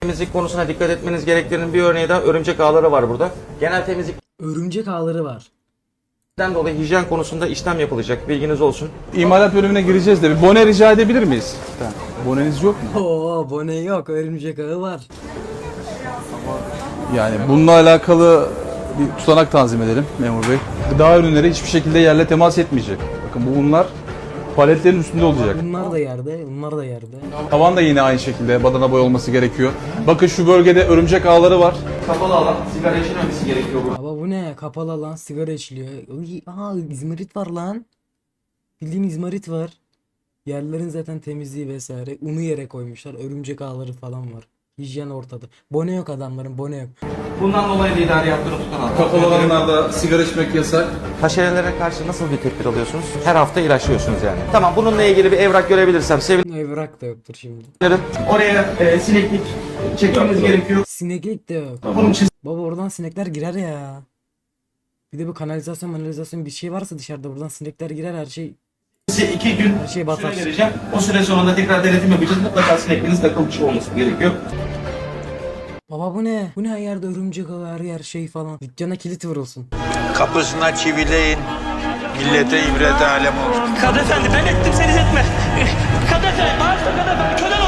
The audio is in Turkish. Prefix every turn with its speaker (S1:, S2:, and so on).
S1: Temizlik konusuna dikkat etmeniz gerektiğinin bir örneği de örümcek ağları var burada. Genel temizlikten
S2: Örümcek ağları var.
S1: dolayı hijyen konusunda işlem yapılacak. Bilginiz olsun.
S3: İmalat bölümüne gireceğiz de bir bone rica edebilir miyiz? Boneniz yok mu?
S2: Oo, bone yok, örümcek ağı var.
S3: Yani bununla alakalı bir tutanak tanzim edelim memur bey. Gıda ürünleri hiçbir şekilde yerle temas etmeyecek. Bakın bunlar paletlerin üstünde olacak.
S2: Bunlar da yerde, bunlar da yerde.
S3: Tavan da yine aynı şekilde badana boy olması gerekiyor. Bakın şu bölgede örümcek ağları var.
S1: Kapalı alan, sigara içilmemesi gerekiyor burada.
S2: Ama bu ne? Kapalı lan, sigara içiliyor. Uy, aha, izmarit var lan. Bildiğin izmarit var. Yerlerin zaten temizliği vesaire. Unu yere koymuşlar. Örümcek ağları falan var. Hijyen ortada. Bone yok adamların, bone yok.
S1: Bundan dolayı da idari yaptırım tutanak.
S3: Kapalı alanlarda sigara içmek yasak.
S1: Haşerelere karşı nasıl bir tedbir alıyorsunuz? Her hafta ilaçlıyorsunuz yani. Tamam, bununla ilgili bir evrak görebilirsem sevinirim.
S2: Evrak da yoktur şimdi.
S1: Oraya sineklik çekmemiz gerekiyor.
S2: Sineklik de yok.
S1: Bunun için
S2: Baba oradan sinekler girer ya. Bir de bu kanalizasyon bir şey varsa dışarıda buradan sinekler girer, her şey
S1: size 2 gün
S2: her şey batar.
S1: süre vereceğim. O süre sonunda tekrar denetim yapacağız. Mutlaka sinekliğiniz takılmış olması gerekiyor.
S2: Baba bu ne? Bu ne, her yerde örümcek ağı, her yer şey falan. Dükkana kilit vurulsun.
S4: Kapısına çivileyin. Millete ibret alem olsun.
S5: Kadı efendi ben ettim sen etme. Kadı efendi bağışla kadı efendi. Köle